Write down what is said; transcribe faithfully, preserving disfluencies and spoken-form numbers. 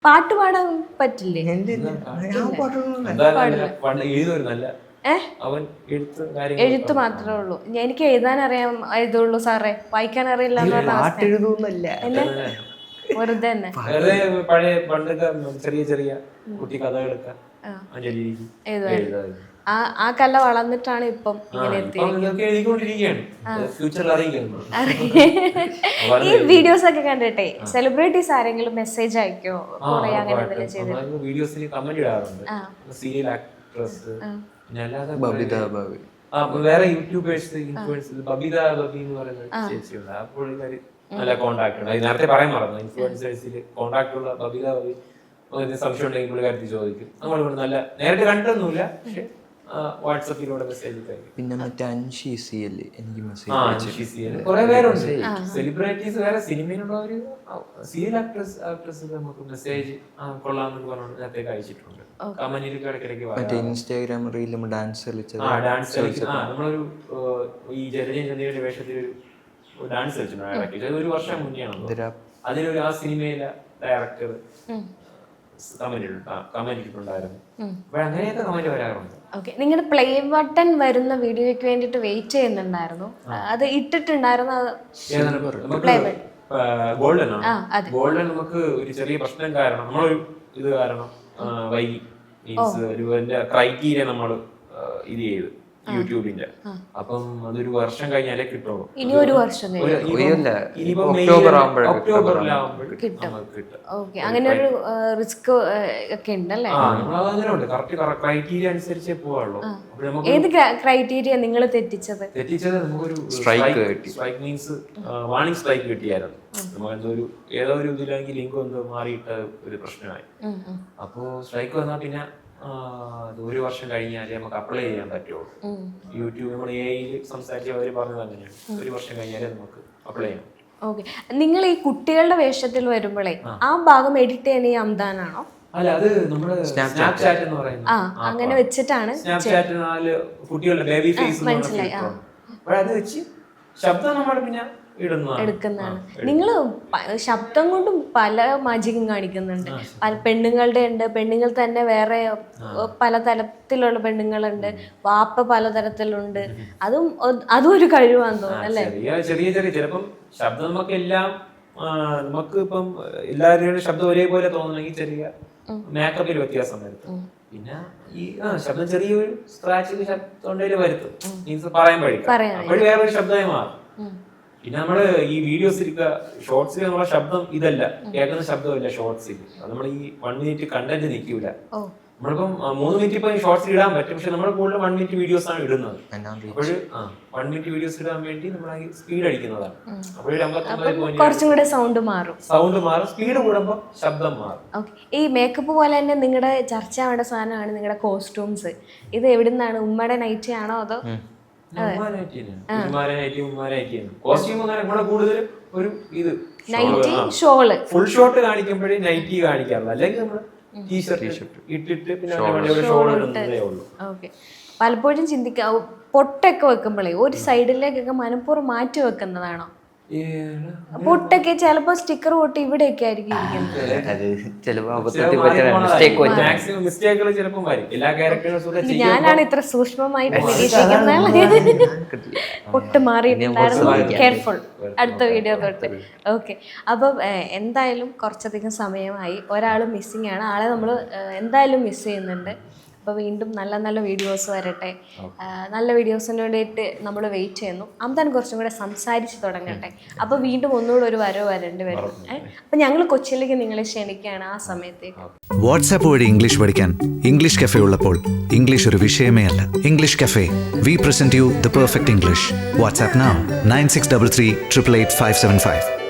പാട്ട് പാടാൻ പറ്റില്ലേ? അവൻ എഴുത്ത് എഴുത്ത് മാത്രമേ ഉള്ളൂ. എനിക്ക് എഴുതാൻ അറിയാം, എഴുതുള്ളൂ സാറേ, വായിക്കാൻ അറിയില്ല എന്ന് പറഞ്ഞ വെറുതെ തന്നെ പഴയ പണ്ടൊക്കെ ചെറിയ ചെറിയ കുട്ടി കഥകളൊക്കെ ആ ആ കല വളർന്നിട്ടാണ് ഇപ്പം ഇങ്ങനെ ഈ വീഡിയോസ് ഒക്കെ കണ്ടിട്ടെ സെലിബ്രിറ്റീസ് ആരെങ്കിലും മെസ്സേജ് അയക്കോ കുറെ അങ്ങനെ എന്തെങ്കിലും ചെയ്ത് വീഡിയോസിൽ കമന്റ് ഇടാറുണ്ട്. സീരിയൽ ആക്ട്രസ്, പിന്നെ അല്ലാതെ വേറെ യൂട്യൂബേഴ്സ് ഇൻഫ്ലുവൻസേഴ്സ്, ബബിത ബബി എന്ന് പറയുന്ന ചേച്ചിയുണ്ട്. ആ പുള്ളിക്കാരി നല്ല കോണ്ടാക്ട് ഉണ്ട്. അത് നേരത്തെ പറയാൻ മറന്നു. ഇൻഫ്ലുവൻസേഴ്സിൽ കോണ്ടാക്ട് ഉള്ള ബബിത ബബി സംശയം ഉണ്ടെങ്കിൽ പുള്ളിക്കാരത്തി ചോദിക്കും. നമ്മൾ നല്ല നേരിട്ട് കണ്ടൊന്നുമില്ല, പക്ഷെ വാട്സാപ്പിലൂടെ മെസ്സേജ് പിന്നെ മറ്റേ അൻഷി സി എൽ എനിക്ക് മെസ്സേജ് കുറെ പേരുണ്ട്. സെലിബ്രിറ്റീസ് വേറെ സിനിമയിലുള്ളവര് സീരിയൽ ആക്ട്രസ് ആക്ട്രസ് നമുക്ക് മെസ്സേജ് കൊള്ളാമെന്ന് പറഞ്ഞു നേരത്തെ അയച്ചിട്ടുണ്ട്. കമന്റിലൊക്കെ ഇടയ്ക്കിടയ്ക്ക് മറ്റേ ഇൻസ്റ്റാഗ്രാം റീലും ഡാൻസ് കളിച്ചത് ഡാൻസ് കളിച്ചത് നമ്മളൊരു ഈ ജലജൻ ചന്ദ്രയുടെ വേഷത്തിൽ ഒരു ഡാൻസ് കളിച്ചിട്ടുണ്ട്. ഒരു വർഷം മുന്നെയാണ്. അതിലൊരു ആ സിനിമയിലെ ഡയറക്ടർ കമന്റ് ഇട്ടിട്ടുണ്ടായിരുന്നു. അങ്ങനെയൊക്കെ കമന്റ് വരാറുണ്ട്. ഓക്കെ, നിങ്ങളുടെ പ്ലേ ബട്ടൺ വരുന്ന വീഡിയോയ്ക്ക് വേണ്ടിട്ട് വെയിറ്റ് ചെയ്യുന്നുണ്ടായിരുന്നു. അത് ഇട്ടിട്ടുണ്ടായിരുന്നു. ഗോൾഡൻ ഗോൾഡൻ നമുക്ക് ഒരു ചെറിയ പ്രശ്നം കാരണം നമ്മളൊരു ഇത് കാരണം വൈകി മീൻസ് ഒരു ക്രൈറ്റീരിയ നമ്മൾ ഇത് ചെയ്ത് യൂട്യൂബിന്റെ. അപ്പം അതൊരു വർഷം കഴിഞ്ഞാലേ കിട്ടുള്ളൂ. ഇനി ഒരു വർഷം അങ്ങനെ ഒരു റിസ്ക് ഒക്കെ ഉണ്ടല്ലേ? ക്രൈറ്റീരിയ അനുസരിച്ചേ പോവുള്ളൂ. ഏത് ക്രൈറ്റീരിയ നിങ്ങൾ തെറ്റിച്ചത്? തെറ്റിച്ചത് നമുക്കൊരു സ്ട്രൈക്ക് മീൻസ് വാണിംഗ് സ്ട്രൈക്ക് കിട്ടിയായിരുന്നു. നമുക്ക് എന്തോ ഒരു ഏതോ ഒരു ഇതിലെങ്കിൽ ലിങ്ക് എന്തോ മാറിയിട്ട ഒരു പ്രശ്നമായി. അപ്പോ സ്ട്രൈക്ക് വന്നാൽ പിന്നെ ഒരു വർഷം കഴിഞ്ഞാലേ നമുക്ക് അപ്ലൈ ചെയ്യാൻ പറ്റുള്ളൂ. യൂട്യൂബ് നമ്മൾ എ ഐയിൽ സംസാരിച്ച് അവർ പറഞ്ഞത് അങ്ങനെയാണ്. ഒരു വർഷം കഴിഞ്ഞാലേ നമുക്ക് അപ്ലൈ ചെയ്യാം. ഓക്കെ, നിങ്ങൾ ഈ കുട്ടികളുടെ വേഷത്തിൽ വരുമ്പോഴേ ആ ഭാഗം എഡിറ്റ് ചെയ്യുന്ന ഈ അംദാനാണോ? അല്ല, അത് നമ്മുടെ സ്നാപ്ചാറ്റ് എന്ന് പറയുന്നത്. അങ്ങനെ വെച്ചിട്ടാണ് സ്നാപ്ചാറ്റ് നാല് കുട്ടികളുടെ ബേബി ഫേസ് മനസ്സിലായി. അത് വെച്ച് ശബ്ദം നമ്മൾ പിന്നെ എടുക്കുന്നതാണ്. നിങ്ങൾ ശബ്ദം കൊണ്ടും പല മാജിക്കും കാണിക്കുന്നുണ്ട്. പല പെണ്ണുങ്ങളുടെ ഉണ്ട്, പെണ്ണുങ്ങൾ തന്നെ വേറെ പലതരത്തിലുള്ള പെണ്ണുങ്ങളുണ്ട്, വാപ്പ പലതരത്തിലുണ്ട്. അതും അതും ഒരു കഴിവാന്ന് തോന്നുന്നു അല്ലേ? ചെറിയ ചെറിയ ചിലപ്പം ശബ്ദം നമുക്ക് എല്ലാം നമുക്ക് ഇപ്പം എല്ലാവരുടെയും ശബ്ദം ഒരേപോലെ തോന്നണമെങ്കിൽ ചെറിയ മേക്കപ്പിൽ വ്യത്യാസം വരുത്തും. പിന്നെ ഈ ശബ്ദം ചെറിയൊരു സ്ക്രാച്ച് തൊണ്ടയിൽ വരുത്തും. മീൻസ് പറയാൻ പഠിക്കും. അപ്പോഴും വേറൊരു ശബ്ദമായി മാറും. പിന്നെ നമ്മള് ഈ വീഡിയോസിൽ ഷോർട്സിൽ നമ്മളെ ശബ്ദം ഇതല്ല, കേൾക്കുന്ന ശബ്ദമല്ല ഷോർട്സിൽ. നമ്മൾ ഈ വൺ മിനിറ്റ് കണ്ടന്റ് നിൽക്കൂല. നമ്മളിപ്പം മൂന്ന് മിനിറ്റ് ഇപ്പൊ ഷോർട്സിൽ ഇടാൻ പറ്റും, പക്ഷെ നമ്മൾ കൂടുതൽ വൺ മിനിറ്റ് വീഡിയോസ് ആണ് ഇടുന്നത്. അപ്പോഴ് വൺ മിനിറ്റ് വീഡിയോസ് ഇടാൻ വേണ്ടി നമ്മൾ സ്പീഡ് അടിക്കുന്നതാണ്. അപ്പോഴും സൗണ്ട് മാറും സൗണ്ട് മാറും സ്പീഡ് കൂടുമ്പോൾ ശബ്ദം മാറും. ഈ മേക്കപ്പ് പോലെ തന്നെ നിങ്ങളുടെ ചർച്ച ആവേണ്ട സാധനമാണ് നിങ്ങളുടെ കോസ്റ്റ്യൂംസ്. ഇത് എവിടുന്നാണ്? ഉമ്മയുടെ നൈറ്റി ആണോ അതോ ഒരു ഇത് നൈറ്റി ഷോള് ഫുൾ ഷോട്ട് കാണിക്കുമ്പോഴേ നൈറ്റി കാണിക്കാറുള്ളൂ, അല്ലെങ്കിൽ നമ്മള് ടീഷർട്ട് ഇട്ടിട്ട് പിന്നെ ഷോൾ ഇടുന്നതേ ഉള്ളൂ. ഓക്കെ, പലപ്പോഴും ചിന്തിക്കാ പൊട്ടൊക്കെ വെക്കുമ്പോഴേ ഒരു സൈഡിലേക്കൊക്കെ മനഃപൂർവ്വം മാറ്റി വെക്കുന്നതാണോ? പൊട്ടൊക്കെ ചിലപ്പോ സ്റ്റിക്കർ പൊട്ടി ഇവിടെയൊക്കെ ആയിരിക്കും ഞാനാണ് ഇത്ര സൂക്ഷ്മമായിട്ട് നിരീക്ഷിക്കുന്നത്. പൊട്ട് മാറിയിട്ടുണ്ടായിരുന്നു. കെയർഫുൾ അടുത്ത വീഡിയോ തൊട്ട്. ഓക്കെ, അപ്പം എന്തായാലും കുറച്ചധികം സമയമായി. ഒരാൾ മിസ്സിംഗ് ആണ്. ആളെ നമ്മൾ എന്തായാലും മിസ് ചെയ്യുന്നുണ്ട്. അപ്പോൾ വീണ്ടും നല്ല നല്ല വീഡിയോസ് വരട്ടെ. നല്ല വീഡിയോസിന് വേണ്ടിയിട്ട് നമ്മൾ വെയിറ്റ് ചെയ്യുന്നു. അംദാൻ കുറച്ചും കൂടെ സംസാരിച്ച് തുടങ്ങട്ടെ. അപ്പോൾ വീണ്ടും ഒന്നുകൂടെ ഒരു വരവ് വരേണ്ടി വരും. അപ്പം ഞങ്ങൾ കൊച്ചിയിലേക്ക് നിങ്ങളെ ക്ഷണിക്കുകയാണ് ആ സമയത്തേക്ക്. വാട്സാപ്പ് വഴി ഇംഗ്ലീഷ് പഠിക്കാൻ ഇംഗ്ലീഷ് കഫേ ഉള്ളപ്പോൾ ഇംഗ്ലീഷ് ഒരു വിഷയമേ അല്ല. English cafe, we present you the perfect English. WhatsApp now nine six double three triple eight five seven five.